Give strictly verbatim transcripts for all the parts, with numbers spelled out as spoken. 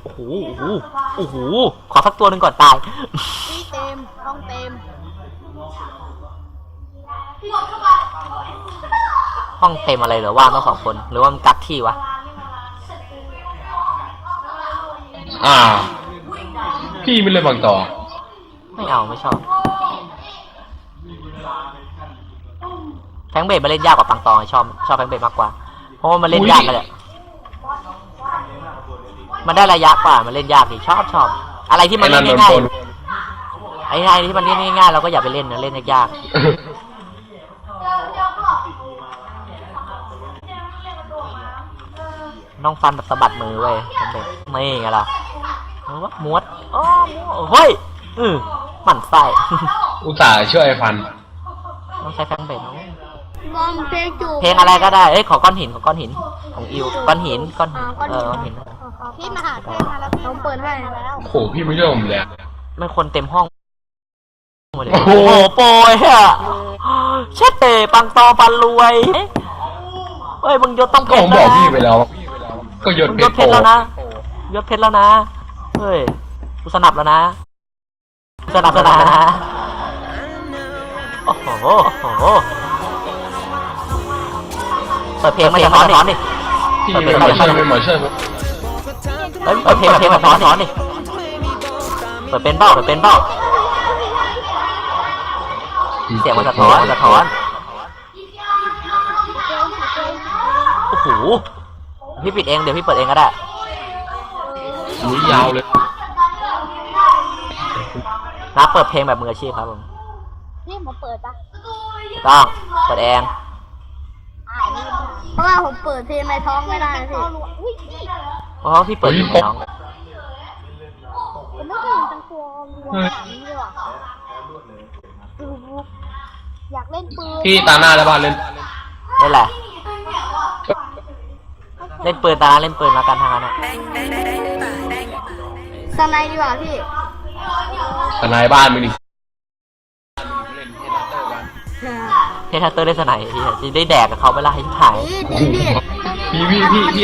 โอ้โหโอ้โหโอ้โหขอสักตัวหนึ่งก่อนตายพี่เต็มห้องเต็มห้องเต็มอะไรเหรอว่างต้องสองคนหรือว่ามันกักที่วะอ่าพี่ไม่เล่นบางต่อไม่เอาไม่ชอบแฟงเบดมาเล่นยากกว่าปังตองชอบชอบแฟงเบดมากกว่าเพราะว่ามันเล่นยากกันแหละมันได้ระยะกว่ามันเล่นยากดิชอบชอบอะไรที่มันเล่นง่ายๆไอ้อะไรที่มันเล่นง่ายๆเราก็อย่าไปเล่นนะเล่นยากน้องฟันแบบสะบัดมือเว้ยไม่ไงล่ะม้วนอ๋อเฮ้ยอือหมั่นไส้อุตส่าห์ช่วยฟันต้องใช้แฟงเบดมองเพลงจูเพลงอะไรก็ได้เอ้ยขอก้อนหินขอก้อนหินของอิวก้อนหินก้อนหินเออก้อนหินพี่มาหาเพลงมาแล้วเขาเปิดให้แล้วโหพี่ไม่เชื่อผมเลยมันคนเต็มห้องโอ้โหโปรยอะเช็ดเตะปังตอปันรวยเฮ้ยมึงยศต้องเพชรแล้วนะผมบอกพี่ไปแล้วก็ยศเพชรแล้วนะยศเพชรแล้วนะเฮ้ยกูสนับแล้วนะสนับแล้วนะโอ้โหโอ้โหเปิดเพลงมาอย่างน้อนดิพี่เป็นหมอช่วยเป็นหมอช่วยเฮ้ยเปิดเพลงเพลงมาสอนสอนดิเปิดเป็นเบ้าเปิดเป็นเบ้าเสียงมันสะท้อนสะท้อนโอ้โหพี่ปิดเองเดี๋ยวพี่เปิดเองก็ได้อุ้ยยาวเลยนับเปิดเพลงแบบมืออาชีพครับผมนี่มาเปิดปะต้องเปิดเองเพราะว่าผมเปิดเพลงในท้องไม่ได้พี่เพราะพี่เปิดเพลงในท้องผมไม่เคยเห็นตังตัวรวมแบบนี้เลยว่ะอยากเล่นปืนพี่ตาหน้าแล้วบ้านเล่นเล่นแหละเล่นปืนตาเล่นปืนแล้วกันทางนั้นอะสไนดีกว่าพี่สไนบ้านมึงดิเททัตเตอร์ได้สไนที่จะได้แดกกับเขาไปละให้ถ่ายพี่พี่พี่พี่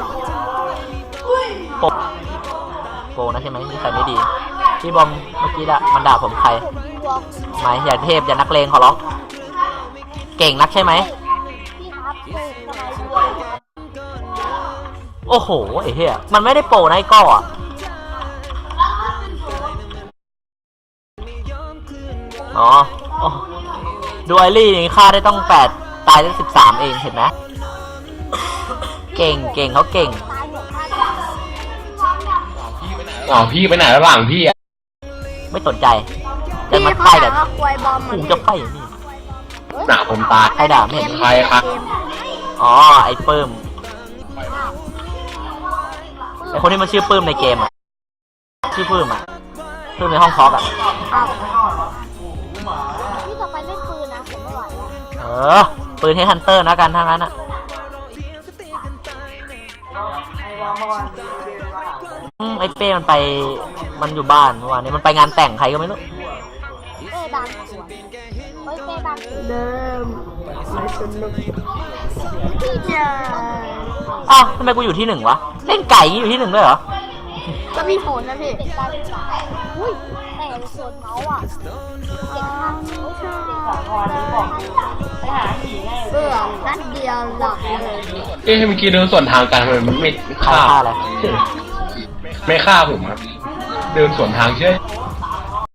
โปโปนะใช่ไหมนี่ใส่ไม่ดีพี่บอมเมื่อกี้ละมันด่าผมใครไม่อย่าเทพอย่านักเลงขอร้องเก่งนักใช่ไหมโอ้โหไอ้เหี้ยมันไม่ได้โปนะไอ้ก้ออ่ะอ๋อดูไอรี่นี่ค่าได้ต้องแปดตายได้สิบสามเองเห็นไหมเก่งเก่งเขาเก่งอ๋อพี่ไปไหนระหว่างพี่อ่ะไม่สนใจจะมาไพ่แบบกูจะไพ่อย่างนี้หนาผมตายใครด่าไม่เห็นใครครับอ๋อไอ้ปื้มไอ้คนที่มันชื่อปื้มในเกมอ่ะชื่อปื้มอ่ะปื้มในห้องคอร์กอ่ะพี่ต่อไปเล่นปืนนะผมไม่ไหวเออปืนเฮดฮันเตอร์นะกันทางนั้นอ่ะไอ้เป้มันไปมันอยู่บ้านเมื่อวานนี้มันไปงานแต่งใครก็ไม่รู้เป้ดังสวยเฮ้ยเป้ดังเดิมไม่สนุกพี่เจออ้าวทำไมกูอยู่ที่หนึ่งวะเล่นไก่อยู่ที่หนึ่งด้วยเหรอก็มีผลนะพี่อุ้ยแต่โซนเมาส์อ่ะเก่งมากไปหาหีไงเบื่อนัดเดียวหลับเลยเอ๊ะเมื่อกี้เดินสวนทางกันมันไม่ฆ่าอะไรไม่ฆ่าผมครับเดินสวนทางใช่